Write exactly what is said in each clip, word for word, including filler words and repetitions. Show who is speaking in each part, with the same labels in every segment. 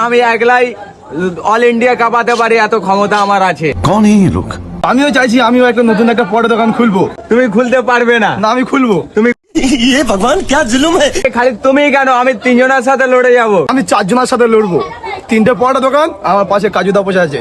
Speaker 1: আমি একলাই all India কাঁপাতে পারি, এত ক্ষমতা আমার আছে।
Speaker 2: कौन है ये लोग?
Speaker 3: আমিও চাইছি আমিও একটা নতুন একটা পড়া দোকান খুলবো।
Speaker 1: তুমি খুলতে পারবে না।
Speaker 3: না আমি খুলবো।
Speaker 1: তুমি
Speaker 2: ये भगवान क्या जुल्म है।
Speaker 1: খালি তুমি কেন, আমি তিনজনের সাথে লড়ে যাব।
Speaker 3: আমি চারজনের সাথে লড়বো। তিনটে পড়া দোকান, আমার পাশে কাজুদা বসে আছে।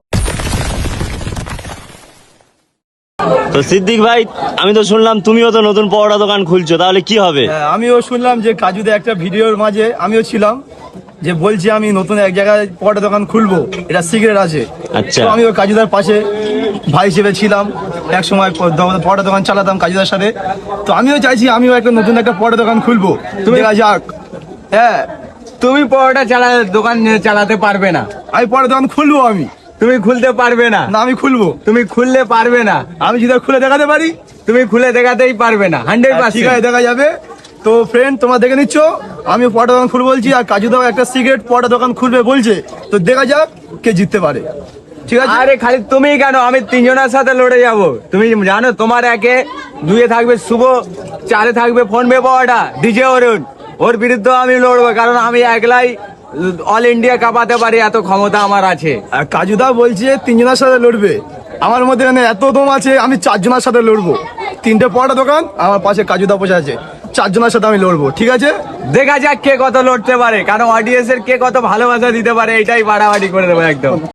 Speaker 4: তো সিদ্দিক ভাই, আমি তো শুনলাম তুমিও তো নতুন পরোটা দোকান খুলছো, তাহলে কি হবে?
Speaker 3: হ্যাঁ, আমিও শুনলাম যে কাজুদা একটা ভিডিওর মাঝে আমিও ছিলাম, যে বলছি আমি নতুন এক জায়গায় পড়া দোকান খুলবো, এটা সিগারেট আছে।
Speaker 4: আচ্ছা।
Speaker 3: তো আমি ওই কাজুদার পাশে ভাই হিসেবে ছিলাম, এক সময় পড়া দোকান চালাতাম কাজুদার সাথে। তো আমিও চাইছি আমিও একটা নতুন একটা পড়া দোকান খুলবো, তুমি দেখা যাক। হ্যাঁ,
Speaker 1: তুমি পরোটা চালা দোকান চালাতে পারবে না।
Speaker 3: আমি পড়া দোকান খুলবো। আমি
Speaker 1: তুমি খুলতে পারবে না।
Speaker 3: না আমি খুলবো।
Speaker 1: তুমি খুললে পারবে না।
Speaker 3: আমি যদি খুলে দেখাতে পারি।
Speaker 1: তুমি খুলে দেখাতেই পারবে না, হান্ড্রেড
Speaker 3: ঠিক
Speaker 1: পার্সেন্ট।
Speaker 3: আছে, দেখা যাবে। তো ফ্রেন্ড, তোমরা দেখে নিচ্ছ, আমি পড়া দোকান খুলবো বলছি, আর কাজুদাও একটা সিগারেট পড়া দোকান খুলবে বলছে। তো দেখা যাক কে জিততে পারে। ঠিক আছে।
Speaker 1: আরে খালি তুমি কেন, আমি তিনজনের সাথে লড়ে যাব। তুমি জানো তোমার একে দুয়ে থাকবে শুভ, চারে থাকবে ফোন পে পাওয়াটা ডিজে অরুণ, ওর বিরুদ্ধে আমি লড়বো, কারণ আমি একলাই অল ইন্ডিয়া কাঁপাতে পারি, এত ক্ষমতা আমার আছে।
Speaker 3: আর কাজুদা বলছে তিনজনের সাথে লড়বে। আমার মধ্যে মানে এত দম আছে, আমি চারজনের সাথে লড়বো। তিনটে পড়া দোকান, আমার পাশে কাজুদা বসে আছে, চারজনের সাথে আমি লড়বো। ঠিক আছে,
Speaker 1: দেখা যাক কে কত লড়তে পারে, কারণ অডিয়েন্সের কে কত ভালোবাসা দিতে পারে, এটাই বাড়াবাড়ি করে দেবো একদম।